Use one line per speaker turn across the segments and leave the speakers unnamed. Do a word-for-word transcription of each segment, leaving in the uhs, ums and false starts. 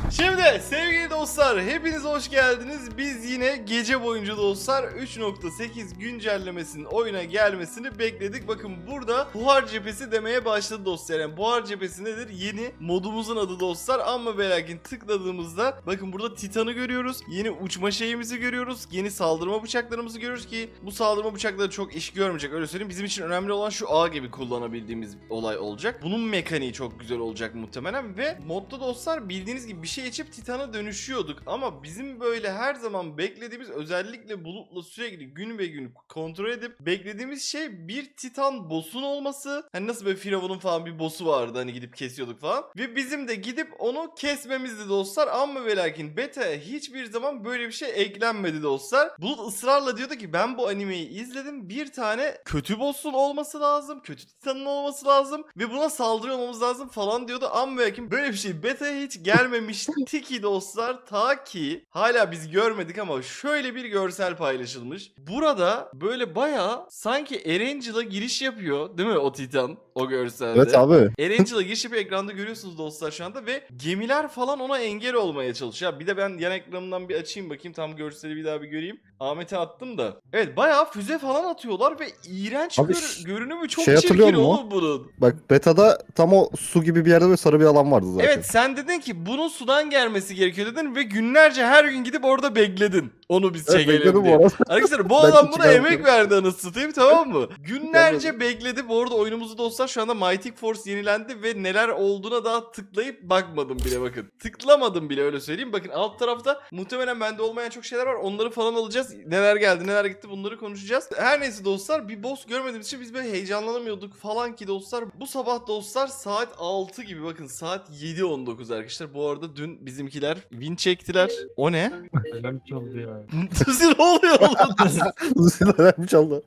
Şimdi sevgili dostlar hepiniz hoş geldiniz. Biz yine gece boyunca dostlar üç nokta sekiz güncellemesinin oyuna gelmesini bekledik. Bakın burada buhar cephesi demeye başladı dostlar. Yani buhar cephesi nedir? Yeni modumuzun adı dostlar. Ama ve lakin tıkladığımızda bakın burada Titan'ı görüyoruz. Yeni uçma şeyimizi görüyoruz. Yeni saldırma bıçaklarımızı görüyoruz ki bu saldırma bıçakları çok iş görmeyecek, öyle söyleyeyim. Bizim için önemli olan şu ağ gibi kullanabildiğimiz olay olacak. Bunun mekaniği çok güzel olacak muhtemelen ve modda dostlar bildiğiniz gibi bir şey içip Titan'a dönüşüyorduk ama bizim böyle her zaman beklediğimiz, özellikle Bulut'la sürekli gün be gün kontrol edip beklediğimiz şey bir Titan boss'un olması. Hani nasıl böyle Firavun'un falan bir boss'u vardı hani gidip kesiyorduk falan ve bizim de gidip onu kesmemizdi dostlar. Ama ve lakin beta'ya hiçbir zaman böyle bir şey eklenmedi dostlar. Bulut ısrarla diyordu ki ben bu animeyi izledim, bir tane kötü boss'un olması lazım, kötü Titan'ın olması lazım ve buna saldırıyor olmamız lazım falan diyordu. Ama ve lakin böyle bir şey beta'ya hiç gelmemişti ki dostlar, ta ki hala biz görmedik ama şöyle bir görsel paylaşılmış. Burada böyle bayağı sanki Erangel'a giriş yapıyor değil mi o Titan o görselde?
Evet abi.
Erangel'a giriş yapıyor, ekranda görüyorsunuz dostlar şu anda ve gemiler falan ona engel olmaya çalışıyor. Bir de ben yan ekranımdan bir açayım bakayım, tam görseli bir daha bir göreyim. Ahmet'e attım da. Evet bayağı füze falan atıyorlar ve iğrenç
Abi
gör-
ş-
görünümü çok
şey hatırlıyor
çirkin
musun?
oğlum bunun.
Bak beta'da tam o su gibi bir yerde böyle sarı bir alan vardı zaten.
Evet sen dedin ki bunun sudan gelmesi gerekiyor dedin ve günlerce her gün gidip orada bekledin. Onu biz
Evet,
çekelim
bekledim bu
diye.
arada.
Arkadaşlar bu
Ben
adam
hiç
buna
çıkarmıyorum.
emek verdi anasını satayım, tamam mı? Günlerce bekledi. Bu arada oyunumuzu dostlar şu anda Mighty Force yenilendi ve neler olduğuna daha tıklayıp bakmadım bile bakın. Tıklamadım bile, öyle söyleyeyim. Bakın alt tarafta muhtemelen bende olmayan çok şeyler var. Onları falan alacağız. Neler geldi neler gitti bunları konuşacağız. Her neyse dostlar bir boss görmediğimiz için biz böyle heyecanlanamıyorduk falan ki dostlar. Bu sabah dostlar saat altı gibi, bakın saat yedi on dokuz arkadaşlar. Bu arada dün bizimkiler win çektiler. O ne?
Alarm çaldı ya.
ne oluyor oğlum?
Zılalar çaldı.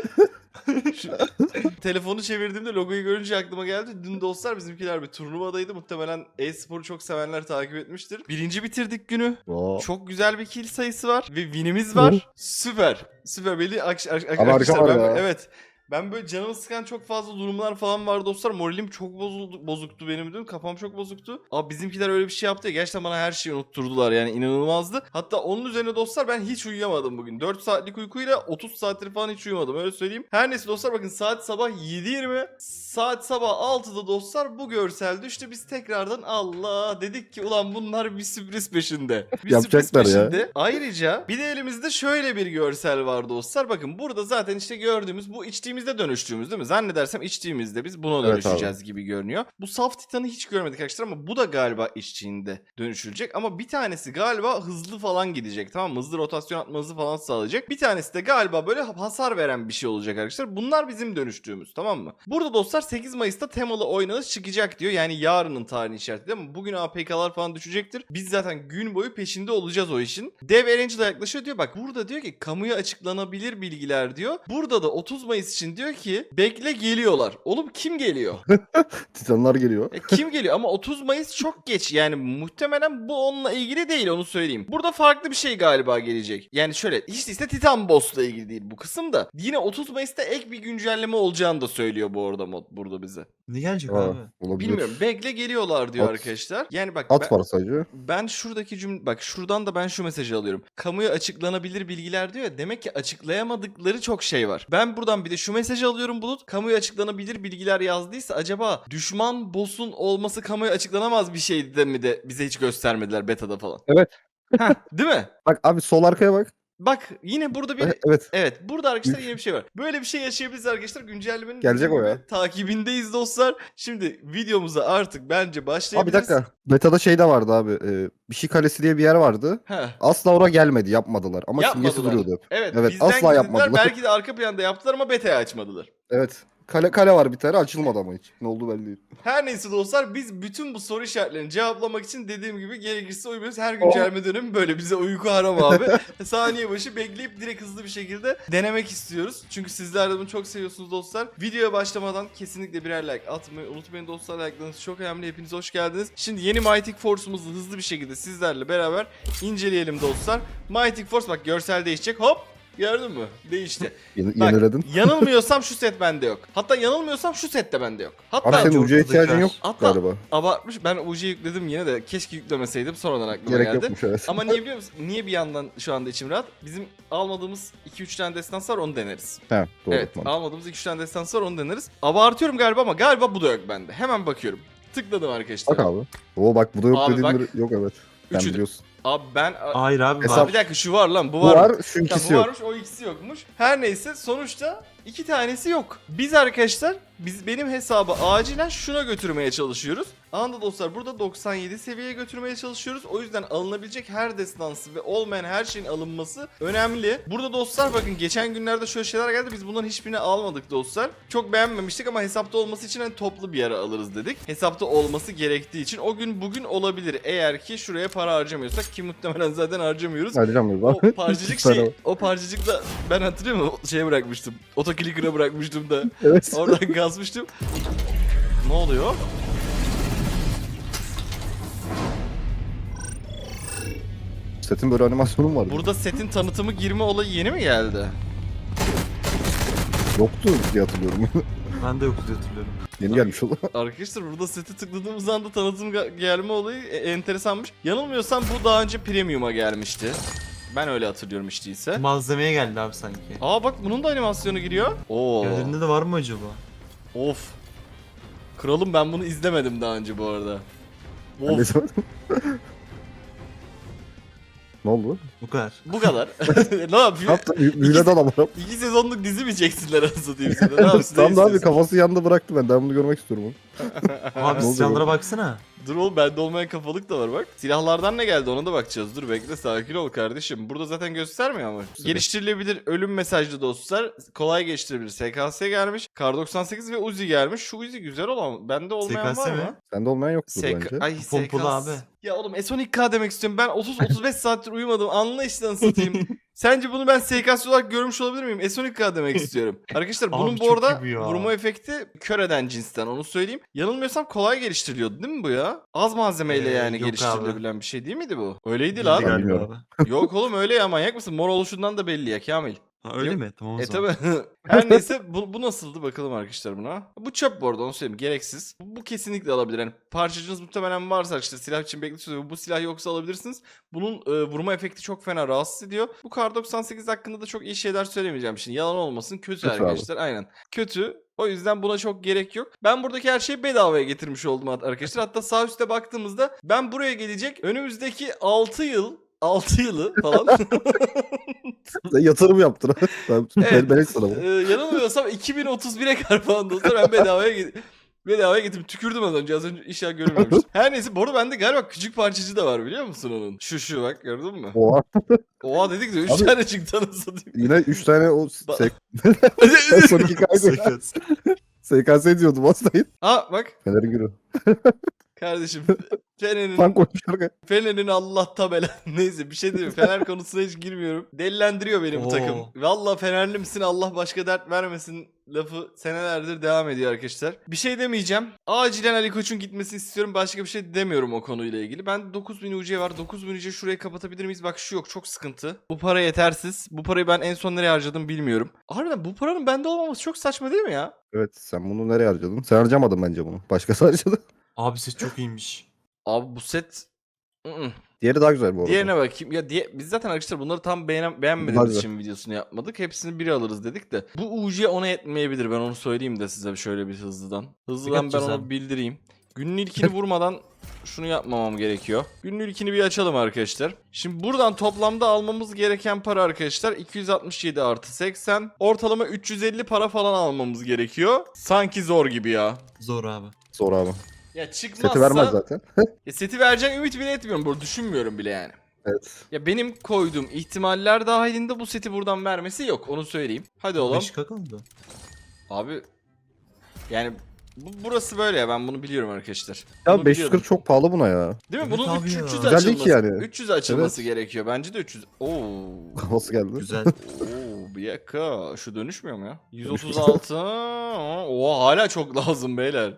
Şu- telefonu çevirdiğimde logoyu görünce aklıma geldi. Dün dostlar bizimkiler bir turnuvadaydı. Muhtemelen e-sporu çok sevenler takip etmiştir. Birinci bitirdik günü.
Oo.
Çok güzel bir kill sayısı var ve winimiz var. Süper. Süper. Belli ak- ak- ak-
Ama
arkadaşlar
harika
ben,
var ya.
evet. Ben böyle canımı sıkan çok fazla durumlar falan var dostlar. Moralim çok bozuldu, bozuktu benim dün. Kafam çok bozuktu. Ama bizimkiler öyle bir şey yaptı ya. Gerçekten bana her şeyi unutturdular. Yani inanılmazdı. Hatta onun üzerine dostlar ben hiç uyuyamadım bugün. dört saatlik uykuyla otuz saattir falan hiç uyumadım. Öyle söyleyeyim. Her neyse dostlar bakın saat sabah yedi yirmi. Saat sabah altıda dostlar bu görsel düştü. Biz tekrardan Allah dedik ki ulan bunlar bir sürpriz peşinde. Bir
Yapacaklar
sürpriz
ya.
peşinde. Ayrıca bir de elimizde şöyle bir görsel var dostlar. Bakın burada zaten işte gördüğümüz bu içtiğimizde dönüştüğümüz değil mi? Zannedersem içtiğimizde biz buna
Evet
dönüşeceğiz gibi görünüyor. Bu saf titanı hiç görmedik arkadaşlar ama bu da galiba içtiğinde dönüşülecek. Ama bir tanesi galiba hızlı falan gidecek, tamam mı? Hızlı rotasyon atmanızı falan sağlayacak. Bir tanesi de galiba böyle hasar veren bir şey olacak arkadaşlar. Bunlar bizim dönüştüğümüz, tamam mı? Burada dostlar sekiz Mayıs'ta temalı oynanış çıkacak diyor. Yani yarının tarihini işaretliyor ama bugün A P K'lar falan düşecektir. Biz zaten gün boyu peşinde olacağız o işin. Dev Erangel'a yaklaşıyor diyor. Bak burada diyor ki kamuya açıklanabilir bilgiler diyor. Burada da otuz Mayıs için diyor ki bekle geliyorlar. Oğlum kim geliyor?
Titanlar geliyor.
E, kim geliyor? Ama otuz Mayıs çok geç. Yani muhtemelen bu onunla ilgili değil, onu söyleyeyim. Burada farklı bir şey galiba gelecek. Yani şöyle hiç değilse Titan Boss'la ilgili değil bu kısım da. Yine otuz Mayıs'ta ek bir güncelleme olacağını da söylüyor bu arada mod burada bize.
Ne gelecek
Ha,
abi?
olabilir.
Bilmiyorum. Bekle geliyorlar diyor
At.
arkadaşlar. Yani bak
At
ben,
var sadece.
ben şuradaki cümle, bak şuradan da ben şu mesajı alıyorum. Kamuya açıklanabilir bilgiler diyor ya, demek ki açıklayamadıkları çok şey var. Ben buradan bir de şu mesajı alıyorum Bulut. Kamuya açıklanabilir bilgiler yazdıysa acaba düşman boss'un olması kamuya açıklanamaz bir şeydi de mi de bize hiç göstermediler beta'da falan.
Evet.
Heh, değil mi?
Bak abi sol arkaya bak.
Bak yine burada bir...
Evet, Evet.
Evet burada arkadaşlar yine bir şey var. Böyle bir şey yaşayabiliriz arkadaşlar. Güncellemenin
Gelecek
dediğim
o ya.
gibi takibindeyiz dostlar. Şimdi videomuza artık bence
Abi bir
başlayabiliriz.
dakika. Beta'da şey de vardı abi. E, bir şey kalesi diye bir yer vardı.
Heh.
Asla oraya gelmedi. Yapmadılar. Ama simgesi
Yapmadılar.
duruyordu hep.
Evet,
Evet,
bizden
asla
gizlediler.
yapmadılar.
Belki de arka planda yaptılar ama beta'ya açmadılar.
Evet. Kale kale var bir tane, açılmadı ama hiç. Ne oldu belli değil.
Her neyse dostlar biz bütün bu soru işaretlerini cevaplamak için dediğim gibi gerekirse uyumuyoruz. Her güncelleme dönemi böyle, bize uyku haram abi. Saniye başı bekleyip direkt hızlı bir şekilde denemek istiyoruz. Çünkü sizler de bunu çok seviyorsunuz dostlar. Videoya başlamadan kesinlikle birer like atmayı unutmayın dostlar. Like'larınız çok önemli. Hepiniz hoş geldiniz. Şimdi yeni Mighty Force'umuzu hızlı bir şekilde sizlerle beraber inceleyelim dostlar. Mighty Force bak görsel değişecek. Hop! Gördün mü? Değişti.
Yeni,
Bak,
yeniledin.
yanılmıyorsam şu set bende yok. Hatta yanılmıyorsam şu set de bende yok. Hatta
Abi senin
çok
ucuya
tadı
ihtiyacın
kaç.
yok
Hatta-
galiba.
abartmış. Ben U C'yi yükledim yine de keşke yüklemeseydim, sonradan aklıma
Gerek
geldi.
yokmuş evet.
Ama niye biliyor musun? Niye bir yandan şu anda içim rahat? Bizim almadığımız iki üç tane destans var, onu deneriz.
He, doğru.
Evet,
mantıklı.
almadığımız iki üç tane destans var, onu deneriz. Abartıyorum galiba ama galiba bu da yok bende. Hemen bakıyorum. Tıkladım arkadaşlar.
Bak abi. Oo bak bu da yok
Abi
dediğin
bak.
biri- yok evet. Sen
Üçü de-
biliyorsun.
Abi ben...
Hayır abi
Hesap-
var.
Bir dakika, şu var lan, bu
Bu
var.
var, şu
Tamam,
ikisi
bu
yok.
varmış, o ikisi yokmuş. Her neyse, sonuçta iki tanesi yok. Biz arkadaşlar, biz benim hesabı acilen şuna götürmeye çalışıyoruz. Anında dostlar, burada doksan yedi seviyeye götürmeye çalışıyoruz. O yüzden alınabilecek her destansı ve olmayan her şeyin alınması önemli. Burada dostlar bakın, geçen günlerde şöyle şeyler geldi. Biz bunların hiçbirini almadık dostlar. Çok beğenmemiştik ama hesapta olması için hani toplu bir yere alırız dedik. Hesapta olması gerektiği için o gün bugün olabilir. Eğer ki şuraya para harcamıyorsak, ki muhtemelen zaten harcamıyoruz.
Harcamıyoruz
O
abi.
parçacık
İki tane
şey,
var.
o parçacık da ben hatırlıyorum mu? Şeye bırakmıştım. Otoclicker'a bırakmıştım da.
Evet.
Oradan gazmıştım. Ne oluyor?
Setin böyle animasyonu mu vardı?
Burada setin tanıtımı girme olayı yeni mi geldi?
Yoktu diye hatırlıyorum.
Ben de yoktu diye hatırlıyorum.
Yeni gelmiş oldu.
Arkadaşlar burada seti tıkladığımız anda tanıtım ga- gelme olayı e- enteresanmış. Yanılmıyorsam bu daha önce premium'a gelmişti. Ben öyle hatırlıyorum hiç değilse.
Malzemeye geldi abi sanki.
Aa bak, bunun da animasyonu giriyor. Oo.
Yerlerinde de var mı acaba?
Of. Kralım, ben bunu izlemedim daha önce bu arada.
Ben de
Of.
izlemedim. Ne oldu?
Bu kadar.
Bu kadar. Ne
Ne
yapıyor?
yaptın? Büyüledi adam.
İki sezonluk dizi mi çeksinler anasını diyeyim sana? Ne yapsın?
Tam
ne
da abi
istiyorsun?
kafası yanında bıraktı ben. Ben bunu görmek istiyorum. onu.
Abi
Ne oldu
silahlara
bu?
baksana.
Dur oğlum, bende olmayan kafalık da var bak. Silahlardan ne geldi ona da bakacağız. Dur bekle, sakin ol kardeşim. Burada zaten göstermiyor ama. Geliştirilebilir ölüm mesajlı dostlar. Kolay geçtirebilir. S K S gelmiş. Kar doksan sekiz ve Uzi gelmiş. Şu Uzi güzel olan. Bende olmayan
S K S
var mı?
mi?
Sende olmayan yoktur
S K...
bence.
Ay
Pompalı
S K S.
abi.
Ya oğlum S on iki K demek istiyorum. Ben otuz otuz beş saattir uyumadım. Anla işte, nasıl satayım. Sence bunu ben S K S olarak görmüş olabilir miyim? S on iki K demek istiyorum. Arkadaşlar bunun
Abi
bu
çok
arada
iyi bu ya.
vurma efekti kör eden cinsten, onu söyleyeyim. Yanılmıyorsam kolay geliştiriliyordu değil mi bu ya? Az malzemeyle
Ee,
yani
yok
geliştirilebilen bir şey değil miydi bu? Öyleydi
Bildi
lan.
galiba
bilmiyorum.
abi.
Yok oğlum, öyle ya, manyak mısın? Mor oluşundan da belli ya Kamil.
Ha, öyle
Yok.
mi? Tamam o
E
zaman.
tabi. Her neyse, bu, bu nasıldı bakalım arkadaşlar buna. Bu çöp bu arada, onu söyleyeyim, gereksiz. Bu, bu kesinlikle alabilir. Yani parçacığınız muhtemelen varsa, işte silah için bekletiyorsunuz. Bu silah yoksa alabilirsiniz. Bunun e, vurma efekti çok fena rahatsız ediyor. Bu Kar doksan sekiz hakkında da çok iyi şeyler söylemeyeceğim şimdi. Yalan olmasın, kötü,
Kötü abi.
arkadaşlar. Aynen. Kötü. O yüzden buna çok gerek yok. Ben buradaki her şeyi bedavaya getirmiş oldum arkadaşlar. Hatta sağ üstte baktığımızda ben buraya gelecek önümüzdeki altı yıl altı yılı falan.
Sen yatırım yaptın. ben,
Evet.
ben, ben hiç sana bunu.
Ee, yanılmıyorsam iki bin otuz bire kadar falan dostlar, ben bedavaya ge- bedavaya getirdim. Tükürdüm az önce. Az önce işler görünmemiş. Her neyse, bu arada bende galiba küçük parçacı da var, biliyor musun onun? Şu şu bak, gördün mü?
Oha.
Oha dedik de üç
Abi-
tane çıktı anasını satayım.
Yine üç tane o
Ba-
S K S iki K
S K S.
S K S diyordum hastayım.
Aa bak
Fener'in günü.
kardeşim. Fener'in,
Fan koymuş arkaya.
Fener'in Allah tabela. Neyse, bir şey diyeyim. Fener konusuna hiç girmiyorum. Delilendiriyor beni bu
Oo.
takım. Valla Fenerli misin, Allah başka dert vermesin lafı senelerdir devam ediyor arkadaşlar. Bir şey demeyeceğim. Acilen Ali Koç'un gitmesini istiyorum. Başka bir şey demiyorum o konuyla ilgili. Ben dokuz bin U C var. dokuz bin U C şurayı kapatabilir miyiz? Bak şu yok, çok sıkıntı. Bu para yetersiz. Bu parayı ben en son nereye harcadım bilmiyorum. Harbiden bu paranın bende olmaması çok saçma değil mi ya?
Evet sen bunu nereye harcadın? Sen harcamadın bence bunu. Başkası harcadı.
Abi ses çok iyiymiş.
Abi bu set... ı-ı.
Diğeri daha güzel bu arada.
Diğerine bakayım. Ya diye, biz zaten arkadaşlar bunları tam beğenen, beğenmediğimiz
Hadi.
için videosunu yapmadık. Hepsini biri alırız dedik de. Bu U C ona yetmeyebilir, ben onu söyleyeyim de size şöyle bir hızlıdan. Hızlıdan ben
yapacağız
onu
abi?
bildireyim. Günün ilkini vurmadan şunu yapmamam gerekiyor. Günün ilkini bir açalım arkadaşlar. Şimdi buradan toplamda almamız gereken para arkadaşlar iki yüz altmış yedi artı seksen. Ortalama üç yüz elli para falan almamız gerekiyor. Sanki zor gibi ya.
Zor abi.
Zor abi.
Ya çıkmazsa...
Seti vermez zaten.
Ya seti vereceğim ümit bile etmiyorum. Burada düşünmüyorum bile yani.
Evet.
Ya benim koyduğum ihtimaller dahilinde bu seti buradan vermesi yok. Onu söyleyeyim. Hadi oğlum.
beş K kaldı.
Abi yani bu, burası böyle ya, ben bunu biliyorum arkadaşlar.
Ya
Bunu
beş yüz kırk
biliyordum.
çok pahalı buna ya.
Değil mi?
Evet
Bunun
abi
üç
ya.
yüz
Güzel değil
açılması,
ki yani.
üç yüz açılması gerekiyor. Bence de üç yüz. Oo.
Kafası geldi.
Güzel.
Oo, bir dakika. Şu dönüşmüyor mu ya? yüz otuz altı. Oha, hala çok lazım beyler.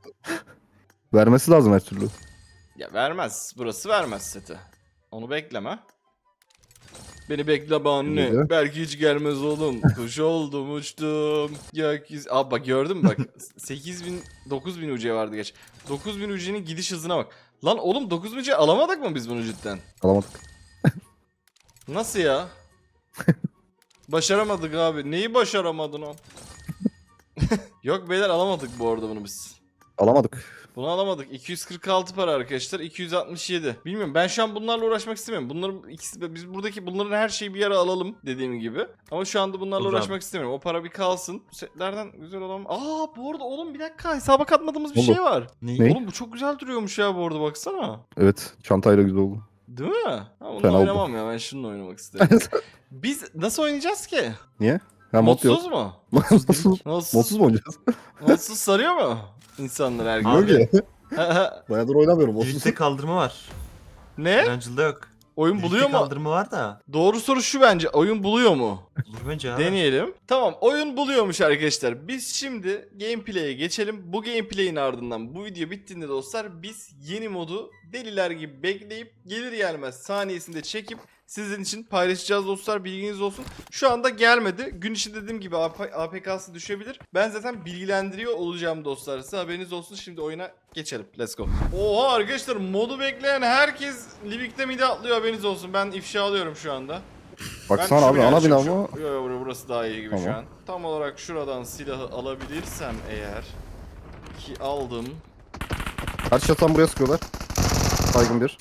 Vermesi lazım her türlü.
Ya vermez. Burası vermez seti. Onu bekleme. Beni bekle anne.
Neydi?
Belki hiç gelmez oğlum. Kuş oldum uçtum. Gökyüzü. Abi bak gördün mü bak. sekiz bin dokuz bin U C vardı geç. dokuz bin U C'nin gidiş hızına bak. Lan oğlum dokuz bin U C alamadık mı biz bunu cidden?
Alamadık.
Nasıl ya? Başaramadık abi. Neyi başaramadın o? Yok beyler alamadık bu arada bunu biz.
Alamadık.
Bunu alamadık. iki yüz kırk altı para arkadaşlar. iki yüz altmış yedi. Bilmiyorum ben şu an bunlarla uğraşmak istemiyorum. Bunların ikisi biz buradaki bunların her şeyi bir yere alalım dediğim gibi. Ama şu anda bunlarla
Olur
uğraşmak
abi.
istemiyorum. O para bir kalsın. Bu setlerden güzel olan. Aa bu arada oğlum bir dakika hesaba katmadığımız bir
Oldu.
şey var.
Ne?
Ne?
Oğlum bu çok güzel duruyormuş ya bu arada baksana.
Evet. Çantayla güzel oldu.
Değil mi? Ha, bununla
Fena oldu.
oynamam ya ben şununla oynamak istedim. Biz nasıl oynayacağız ki?
Niye? Ha mod yok.
Modsuz mu?
Modsuz.
Modsuz,
Modsuz mu oynayacağız?
modsuz sarıyor mu? İnsanlar her gün.
Abi.
Yok ya. Bayağıdır oynamıyorum modsuz.
Birlikte kaldırma var.
Ne?
Erangel'da yok.
Oyun
Birlikte
buluyor mu?
kaldırma var da.
Doğru soru şu bence. Oyun buluyor mu?
Olur bence abi.
Deneyelim. Tamam oyun buluyormuş arkadaşlar. Biz şimdi gameplay'e geçelim. Bu gameplay'in ardından bu video bittiğinde dostlar biz yeni modu deliler gibi bekleyip gelir gelmez saniyesinde çekip sizin için paylaşacağız dostlar, bilginiz olsun. Şu anda gelmedi. Gün içinde dediğim gibi A P K'sı düşebilir. Ben zaten bilgilendiriyor olacağım dostlar. Size haberiniz olsun. Şimdi oyuna geçelim. Let's go. Oha arkadaşlar modu bekleyen herkes Livik'te mide atlıyor, haberiniz olsun. Ben ifşa alıyorum şu anda.
Baksana
Ben
abi
şuraya
ana bina
açayım
mı?
şu- Yo yo burası daha iyi gibi şu
Tamam.
an. Tam olarak şuradan silahı alabilirsem eğer ki aldım.
Her çatan buraya sıkıyorlar. Saygın bir.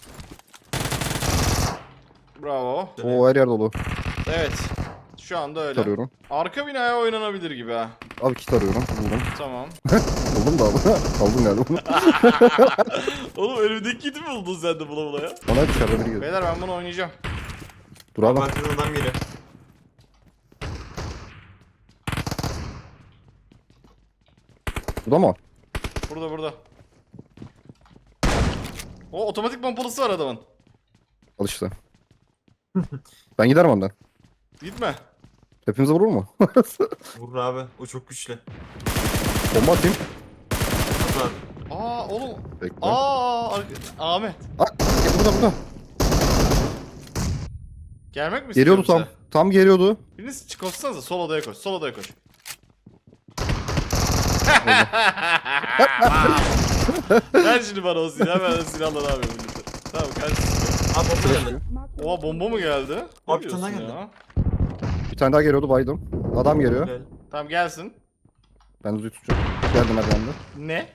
Bravo.
O her yer dolu.
Evet. Şu anda
Kit
öyle.
arıyorum.
Arka binaya oynanabilir gibi ha.
Abi kit arıyorum. Buldum.
Tamam.
Buldum da abi. Aldım galiba bunu.
Oğlum önümdeki kiti mi buldun sen de bula bula ya?
Bana dışarıda biri geliyor.
Beyler ben bunu oynayacağım.
Dur abi.
Arkadan adam geliyor.
Burada mı?
Burada burada. O otomatik pompalısı var adamın.
Al işte. Ben giderim önden.
Gitme.
Hepimize vurur mu?
Vurur abi. O çok güçlü.
Bomba atayım.
Vurur abi.
Aa oğlum.
Bekle.
Aa arka- Ahmet.
Aa, burada burada.
Gelmek mi
Geliyordu
istiyor
tam.
bize?
Tam geliyordu.
Biriniz koşsanıza sol odaya koş. Sol odaya koş. Ver şimdi bana o silahı, ben de silahla ne yapıyorum birlikte. Tamam kardeşim.
Abi bomba geldi.
Oha bomba mı geldi? Ne
Abi bir tane daha
diyorsun
geldi.
ya?
Bir tane daha geliyordu baydım. Adam geliyor.
Gel.
Tamam gelsin.
Ben düzgün tutacağım. Geldim merdivende.
Ne?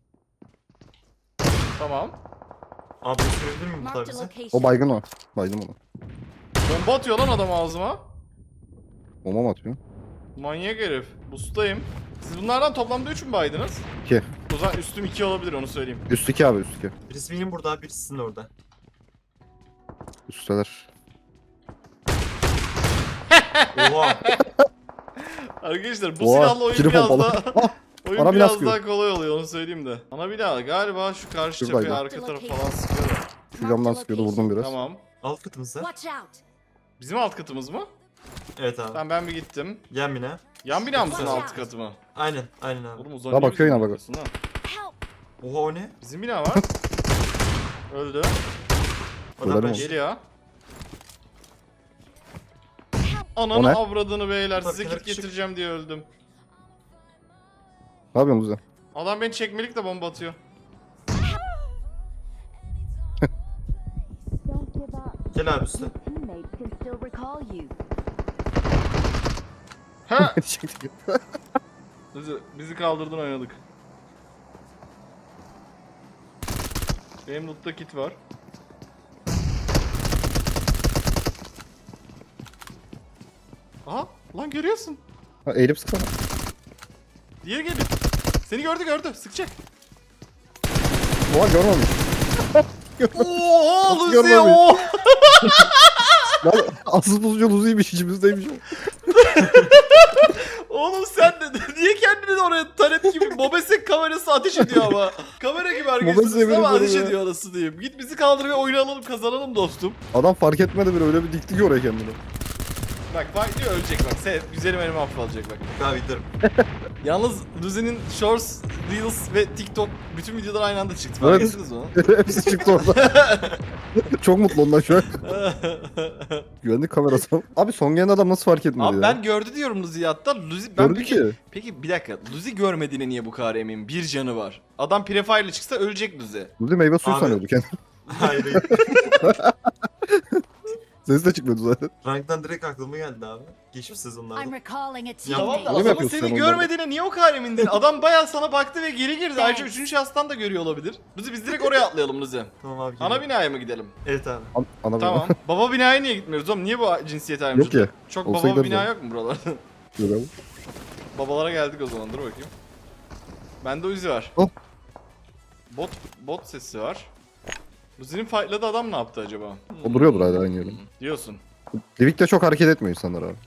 Tamam.
Abi gösterebilir miyim bu
Marked a
bize?
location.
O baygın o. Baydım onu.
Bomba atıyor lan adam ağzıma.
Bomba mı atıyor?
Manyak herif. Bustayım. Siz bunlardan toplamda üç mü baydınız?
İki.
O zaman üstüm iki olabilir, onu söyleyeyim.
Üstteki abi üstteki.
Birisi benim burada, birisi sizin orada.
Üstteler.
Oha.
Arkadaşlar bu
Oha,
silahla oyun
kili
biraz
pompalı.
daha... oyun
Ana bina
biraz
sıkıyor.
daha kolay oluyor, onu söyleyeyim de. Ana bina galiba şu karşı
Şuradaydı.
cepheye arka tarafı falan sıkıyorlar.
Şu camdan sıkıyordu vurdum biraz.
Tamam.
Alt katımızda.
Watch out.
Bizim alt katımız mı?
Evet abi.
Tamam ben bir gittim.
Yan bina.
Yan bina mısın
Watch
alt
out.
katı mı?
Aynen, aynen abi.
Oğlum uzak
Ya
niye
bakıyor
bizim
yine bak.
bakıyorsun lan?
Help.
Oha o ne?
Bizim bina var. Öldü.
Adam
Ölerim
ben
olsun.
şey...
Geliyor.
O
Ananı
ne?
avradını beyler,
Bak,
size
kenara
kit
küçük.
getireceğim diye öldüm.
Ne yapıyorsun Luzi?
Adam beni çekmelik de bomba atıyor.
Don't give up.
Gel abi üstte.
Your teammates can still recall you.
Ha! Bizi, bizi kaldırdın, oynadık. Benim lootta kit var. Aha! Lan görüyorsun.
Ha, eğilip sıksana.
Diğeri geliyor. Seni gördü gördü. Sıkacak.
Oha görmemiş.
Oha
Nasıl
Luzi
görmemiş?
o.
Lan asıl bozucu Luzi'ymiş içimizdeymiş o.
Oğlum sen de niye kendini de oraya taret gibi Mobesek kamerası ateş ediyor ama. Kamera gibi
Mobesek
arkadaşlar ama
benim
ateş
ya.
ediyor anasını diyeyim. Git bizi kaldır ve oyunu alalım, kazanalım dostum.
Adam fark etmedi bile öyle bir dikti ki oraya kendini.
Bak bak diyor, ölecek bak. Sen güzelim elime affalacak bak.
Abi giderim.
Yalnız Luzi'nin Shorts, Reels ve TikTok bütün videolar aynı anda çıktı. Fark
Evet.
ettiniz mi onu?
Hepsi çıktı orada. Çok mutlu ondan şu an. Güvenlik kamerası. Abi son gelen adam nasıl fark etmedi
Abi
ya?
ben gördü diyorum Luzi hatta. Luzi ben
Gördü
peki,
ki.
peki bir dakika. Luzi görmediğine niye bu kadar eminim? Bir canı var. Adam prefire ile çıksa ölecek Luzi.
Burada meyve suyu
Abi.
sanıyordu kendini.
Hayır hayır.
Sesi de çıkmıyordu zaten.
Ranktan direkt aklıma geldi abi. Geçmiş
I'm
sezonlarda.
recalling a
Tamam
Tamam
teammate.
da
Öyle mi
adamın
yapıyorsun
seni
sen onlarda?
görmediğine niye o kadar emindin? Adam bayağı sana baktı ve geri girdi. Ayrıca üçüncü şahıstan da görüyor olabilir. Luzi biz direkt oraya atlayalım Luzi.
Tamam abi.
Ana
geliyorum.
binaya mı gidelim?
Evet abi.
An ana
Tamam. Baba binaya niye gitmiyoruz oğlum? Niye bu cinsiyet ayrımcılığı?
Yok ya.
Çok
Olsa
baba
gideriz
bina
abi.
yok mu buralarda?
Böyle abi.
Babalara geldik o zaman. Dur bakayım. Bende Uzi var.
Oh.
Bot bot sesi var. Uzi'nin fightladığı adam ne yaptı acaba?
O duruyordur hala aynı yerde.
Diyorsun.
Livik'te çok hareket etmiyor insanlar abi.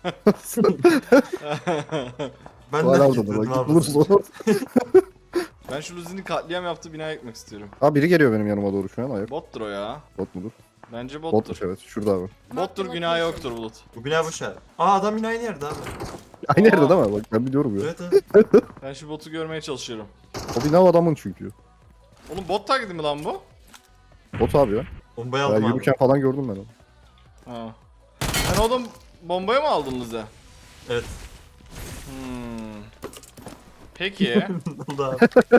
Ben
Hala
de
orada
gittim
da bak.
abi.
Bulursun onu.
Ben şu Luzi'nin katliam yaptığı binaya gitmek istiyorum.
Abi biri geliyor benim yanıma doğru şu an. Ayak.
Bottur o ya.
Bot mudur?
Bence bottur.
Botmuş evet. Şurada abi.
Bottur, günah yoktur Bulut.
Bu bina boş abi. Aa adam yine aynı yerde abi.
Aynı
Aa.
yerde değil mi? Bak ben biliyorum ya.
Evet abi.
Ben şu botu görmeye çalışıyorum.
O bina o adamın çünkü.
Oğlum bot taklidi mi lan bu?
Bot abi ya.
Bombayı
Ya
aldım abi.
yürürken falan gördüm ben onu.
Ha. Sen oğlum bombaya mı aldın Luzi?
Evet.
Hmm. Peki.
Ne oldu abi?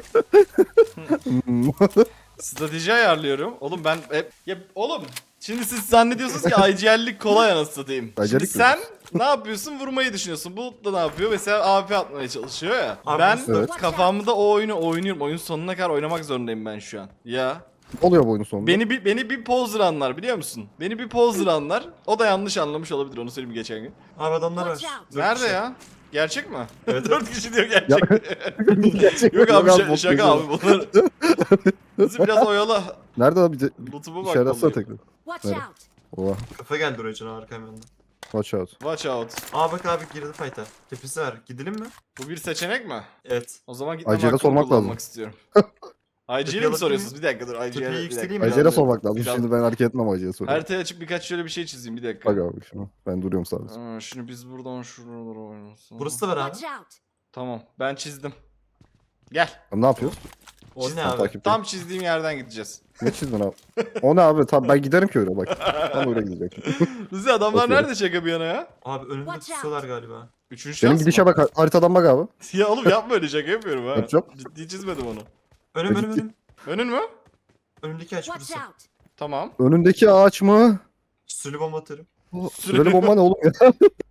Hmm.
Strateji ayarlıyorum. Oğlum ben hep... Ya oğlum şimdi siz zannediyorsunuz ki I G L'lik kolay anasını satayım. Şimdi
I G L'lik
sen ne yapıyorsun? Vurmayı düşünüyorsun. Bulut da ne yapıyor? Mesela A P atmaya çalışıyor ya.
Abi,
ben
evet.
kafamda o oyunu oynuyorum. Oyun sonuna kadar oynamak zorundayım ben şu an. Ya.
Ne oluyor bu oyunun sonunda?
Beni bir beni bir poser anlar biliyor musun? Beni bir poser anlar. O da yanlış anlamış olabilir onu söyleyeyim geçen gün.
Abi adamlar var.
Watch out.
Dört
Nerede
kişi.
ya? Gerçek mi?
Evet,
Dört kişi diyor gerçek.
Gerçek
Yok abi
yok
şa-
bot
şaka
geziyor.
abi bunlar. Bizi biraz oyala.
Nerede abi? Bize
Loot'uma
işaret atsana
bakmalıyım.
tekrar.
Watch
Nerede?
out.
Oha.
Kafa geldi oraya canavar kamyonda.
Watch out.
Watch out.
Aa bak abi girdi fight'a. Tepesi var. Gidelim mi?
Bu bir seçenek mi?
Evet.
O zaman gitmem
I G'ye
hakkımı
sormak
kullanmak
lazım.
istiyorum. I G'ye mi
Yapalım
soruyorsunuz? Bir dakika dur. I G'ye
Tepeyi
bir
yükseleyim
dakika.
mi?
Acele sormak lazım.
Biraz-
Şimdi ben hareket etmem acele sorayım.
Haritayı açıp birkaç şöyle bir şey çizeyim bir dakika.
Bak abi şunu. Ben duruyorum sadece.
Aa, şimdi biz buradan şuralara oynasın.
Burası da var abi.
Watch out.
Tamam ben çizdim. Gel.
Abi ne yapıyoruz?
O ne
Ben
abi?
takip
Tam çizdiğim yerden gideceğiz.
Ne çizdin abi? O ne abi? Tam ben giderim ki öyle bak. Tam öyle gidecek.
Luzi adamlar
Bakıyorum.
nerede şaka bir yana ya?
Abi önümde
Watch out.
tutuyorlar galiba.
Üçüncü
Benim
şans
gidişe
mı?
bak haritadan bak abi.
Ya oğlum yapma öyle şaka yapıyorum ha.
Yapacağım.
Ciddi çizmedim onu.
Önüm
E,
önüm
gitti.
önüm.
Önün mü?
Önümdeki aç
Watch
burası.
out.
Tamam.
Önündeki ağaç mı?
Sülü bomba atarım.
O,
Süreli-
Süreli bomba ne oğlum ya?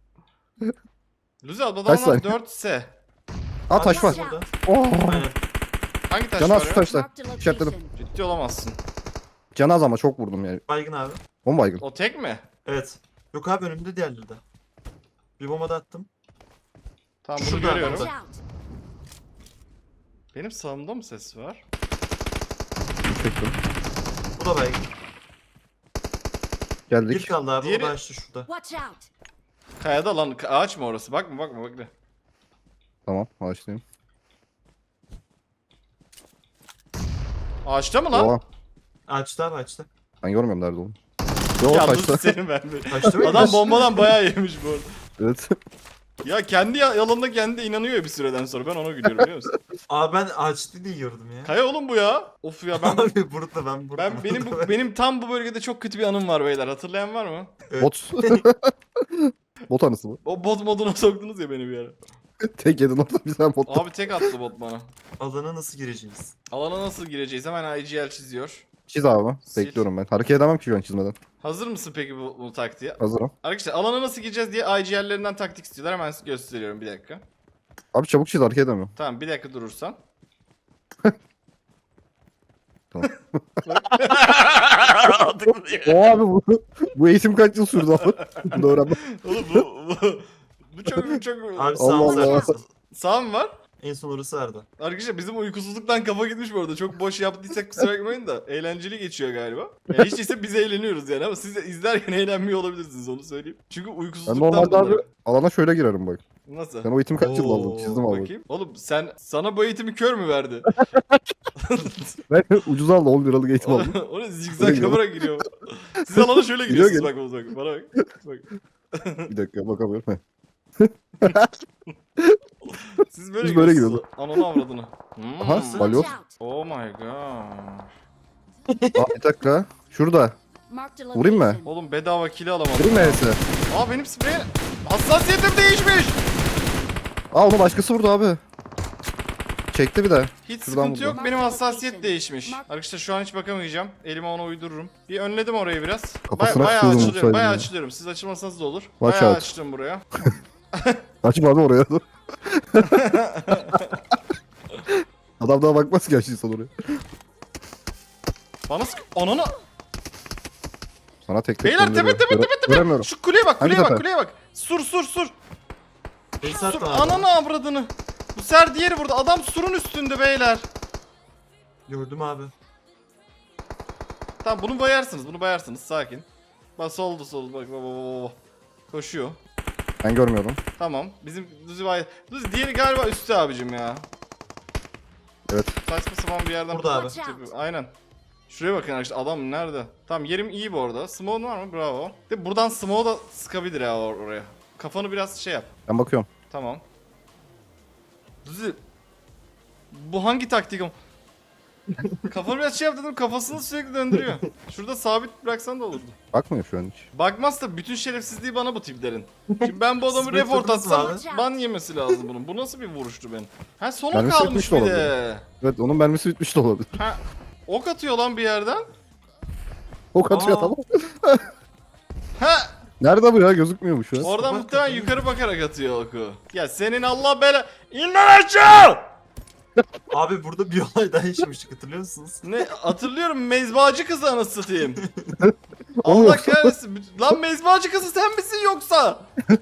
Luzi adamlar
Kaç saniye?
dört S.
Aa taş var.
Burada.
Oh.
Aynen.
Hangi taş
Canaz
var
şu
ya?
taşlar.
Marked a
İşaretledim.
location.
Ciddi olamazsın.
Canaz ama çok vurdum yani.
Baygın abi.
Bomba baygın.
O tek mi?
Evet. Yok abi önümde diğerleri de. Bir bomba da attım.
Tamam bunu
Şurada,
görüyorum.
Watch out.
Benim sağımda mı ses var?
Çektim.
Bu da baygın. Bir
Geldik.
kaldı abi.
Diğeri-
O da açtı şurada.
Watch out.
Kayada lan ka- ağaç mı orası? Bakma bakma bakma.
Tamam ağaçtayım.
Ağaçta mı lan?
Oha.
Açtı abi açtı.
Ben görmüyorum nerede oğlum. Yo
Ya
taşta.
Luzi senin ben bir.
Açtı mı?
Adam bombadan bayağı yemiş bu arada.
Evet.
Ya kendi ya- yalanına kendi inanıyor ya bir süreden sonra. Ben ona gülüyorum biliyor musun?
Abi ben açtı diye gördüm ya.
Kaya oğlum bu ya. Of ya ben
Abi burada ben burada.
ben benim bu benim tam bu bölgede çok kötü bir anım var beyler. Hatırlayan var mı?
Bot. Bot anısı mı?
O bot moduna soktunuz ya beni bir ara.
Tek yedin orada bir tane bot.
Abi tek attı bot bana.
Alana nasıl gireceğiz?
Alana nasıl gireceğiz? Hemen I G L çiziyor.
Çiz abi.
Sil.
Bekliyorum ben. Hareket edemem ki şu an çizmeden.
Hazır mısın peki bu, bu taktiğe?
Hazırım.
Arkadaşlar alana nasıl gireceğiz diye I G L'lerinden taktik istiyorlar. Hemen size gösteriyorum bir dakika.
Abi çabuk çiz hareket edemiyorum.
Tamam bir dakika durursan.
Tamam.
Artık
O abi bu, bu eğitim kaç yıl sürdü abi? Bunu öğrenmem.
Oğlum bu, bu, bu çok çok...
Abi
Allah
sağımız
Allah.
arkası.
Sağ mı var?
En son orası vardı.
Arkadaşlar bizim uykusuzluktan kafa gitmiş bu arada. Çok boş yaptıysak kusura bakmayın da. Eğlenceli geçiyor galiba. Yani hiç değilse biz eğleniyoruz yani ama siz de izlerken eğlenmiyor olabilirsiniz onu söyleyeyim. Çünkü
Ben
uykusuzluktan
normalde abi
bunlar.
alana şöyle girerim bak.
Nasıl?
Ben o eğitimi kaç yıl
Oo,
aldım çizdim abi.
Bakayım. Oğlum sen sana bu eğitimi kör mü verdi?
Ben ucuz aldım on liralık eğitim aldım.
o ne zigzag kamera giriyor. Siz alana şöyle
Giriyor,
giriyorsunuz bak bak bana bak. bak.
Bir dakika bakamıyorum. Heh.
Siz böyle
Biz böyle
giriyorsunuz. Ananı avradını. Hmm.
Aha,
Watch
balyoz.
out.
Oh my god.
Aa, bir dakika. Şurada.
Marked a
Vurayım mı?
location.
Oğlum bedava kill alamadım.
Vurayım mı E'si?
Aa benim sprey hassasiyetim değişmiş.
Aa onu başkası vurdu abi. Çekti bir de.
Hiç
Şuradan
sıkıntı
vurdum.
yok. Benim hassasiyet değişmiş. Arkadaşlar şu an hiç bakamayacağım. Elime onu uydururum. Bir önledim orayı biraz. Ba-
Kafasına
bayağı
sıkıyordum
açılıyorum. Bayağı
olsaydı ya.
açılıyorum. Siz açılmasanız da olur.
Watch
Bayağı
out.
açtım buraya.
Açma abi oraya. Adam daha bakmaz ki açtıysan oraya.
Bana sık... Ananı...
Sana tek tek
Beyler tepe
gönderiyor.
tepe
Göre-
tepe tepe.
Göremiyorum.
Şu kuleye bak
Hangi
kuleye bak
tepe?
kuleye bak. Sur sur sur.
Beni
Sur.
sarttı abi.
Ananı avradını. Bu ser diğeri burada. Adam surun üstünde beyler.
Gördüm abi.
Tamam bunu bayarsınız. Bunu bayarsınız. Sakin. Bak soldu soldu. Bak bak bak bak. Koşuyor.
Ben görmüyorum.
Tamam. Bizim Duzi bay... Duzi diğeri galiba üstte abicim ya.
Evet.
Saçma sapan bir yerden...
Burada abi.
Watch out.
Aynen. Şuraya bakın arkadaşlar adam nerede? Tamam yerim iyi bu arada. Smoke'un var mı? Bravo. De buradan smoke da sıkabilir ya or- oraya. Kafanı biraz şey yap.
Ben bakıyorum.
Tamam. Duzi. Bu hangi taktik ama? Kafanı biraz şey yap dedim kafasını sürekli döndürüyor. Şurada sabit bıraksan da olurdu.
Bakmıyor şu an hiç.
Bakmazsa bütün şerefsizliği bana bu tiplerin. Şimdi ben bu adamı
Siz
report
beklediniz mi
atsam
abi?
ban yemesi lazım bunun. Bu nasıl bir vuruştu benim? Ha sona
Mermisi
kalmış
bitmiş
bir
de
de.
Evet onun mermisi bitmiş de olabilir.
Ha ok atıyor lan bir yerden.
Ok atıyor
Aa.
tamam.
Ha
Nerede bu ya? Gözükmüyor bu şu an.
oradan
Bak
muhtemelen
bakayım.
yukarı bakarak atıyor oku. Ya senin Allah bela... İn lan aşağı!
Abi burada bir olay daha yaşamıştık hatırlıyor musunuz?
Ne hatırlıyorum mezbacı kızı anasını satayım.
O mu
Allah
yoksa?
kahretsin. Lan mezbacı kızı sen misin yoksa?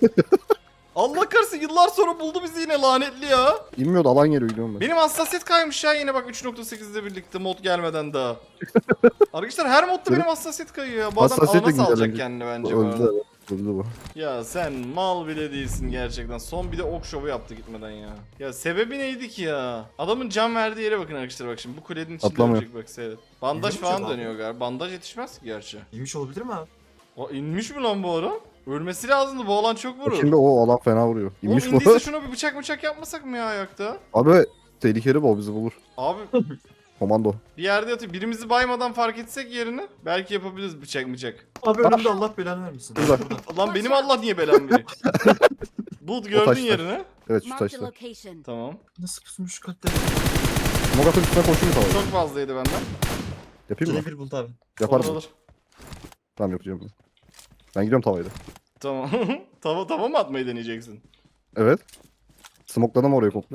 Allah kahretsin yıllar sonra buldu bizi yine lanetli ya.
İnmiyordu alan geliyor gidiyorum ben.
Benim hassasiyet kaymış ya yine bak üç nokta sekizle birlikte mod gelmeden daha. Arkadaşlar her modda benim hassasiyet kayıyor ya. Bu adam
Hassasiyet de
alana salacak
güncellenecek.
kendini bence bu
Öldü
arada.
evet. Öldü bu.
Ya sen mal bile değilsin gerçekten. Son bir de ok şovu yaptı gitmeden ya. Ya sebebi neydi ki ya? Adamın can verdiği yere bakın arkadaşlar bak şimdi. Bu kulenin içinde
Atlamıyor.
ölecek bak seyret. Bandaj
İnmiş
falan
adam.
dönüyor galiba. Bandaj yetişmez ki gerçi.
İyiymiş olabilir mi abi?
O inmiş mi lan bu adam? Ölmesi lazımdı. Bu alan çok vurur.
Şimdi o alan fena vuruyor.
Oğlum
İnmiş bu.
indiyse şuna bir bıçak bıçak yapmasak mı ya ayakta?
Abi tehlikeli bu o bizi bulur.
Abi
Komando.
bir yerde yatıyor. Birimizi baymadan fark etsek yerini belki yapabiliriz bıçak bıçak.
Abi önümde Allah belanı vermesin.
Burada.
Lan benim Allah niye belam veriyor? Bulut gördün
taşta.
yerini.
Evet şu
Marked a
taşta.
location.
Tamam.
Nasıl pusmuş kalpleri?
Mogat'ın üstüne koşuyor tamam.
Çok fazlaydı benden.
Yapayım mı?
Gene bir buldu abi.
Yaparım.
Olur, olur.
Tamam yapacağım ben. Ben gidiyorum tavayla.
Tamam. tava tava mı atmayı deneyeceksin?
Evet. Smokladım orayı komple.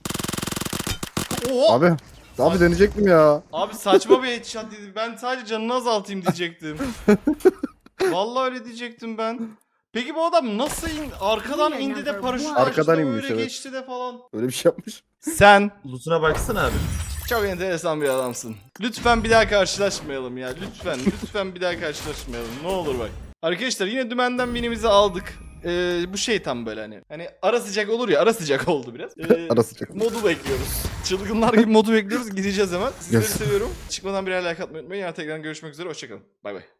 Oo! Abi.
Abi. Abi deneyecektim ya.
saçma bir headshot dedi. Ben sadece canını azaltayım diyecektim. Vallahi öyle diyecektim ben. Peki bu adam nasıl in arkadan indi de paraşüt açtı
Arkadan
da
inmiş,
öyle
evet.
geçti de falan.
Öyle bir şey yapmış.
Sen
Loot'una baksana abi.
çok enteresan bir adamsın. Lütfen bir daha karşılaşmayalım ya. Lütfen, lütfen bir daha karşılaşmayalım. Ne olur bak. Arkadaşlar yine dümenden binimizi aldık. Ee, bu şey tam böyle hani. Hani ara sıcak olur ya. Ara sıcak oldu biraz. Ee,
Ara sıcak.
Modu bekliyoruz. Çılgınlar gibi modu bekliyoruz. Gideceğiz hemen. Sizleri
Yes.
seviyorum. Çıkmadan birer like atmayı unutmayın. Yarın tekrar görüşmek üzere. Hoşçakalın. Bay bay.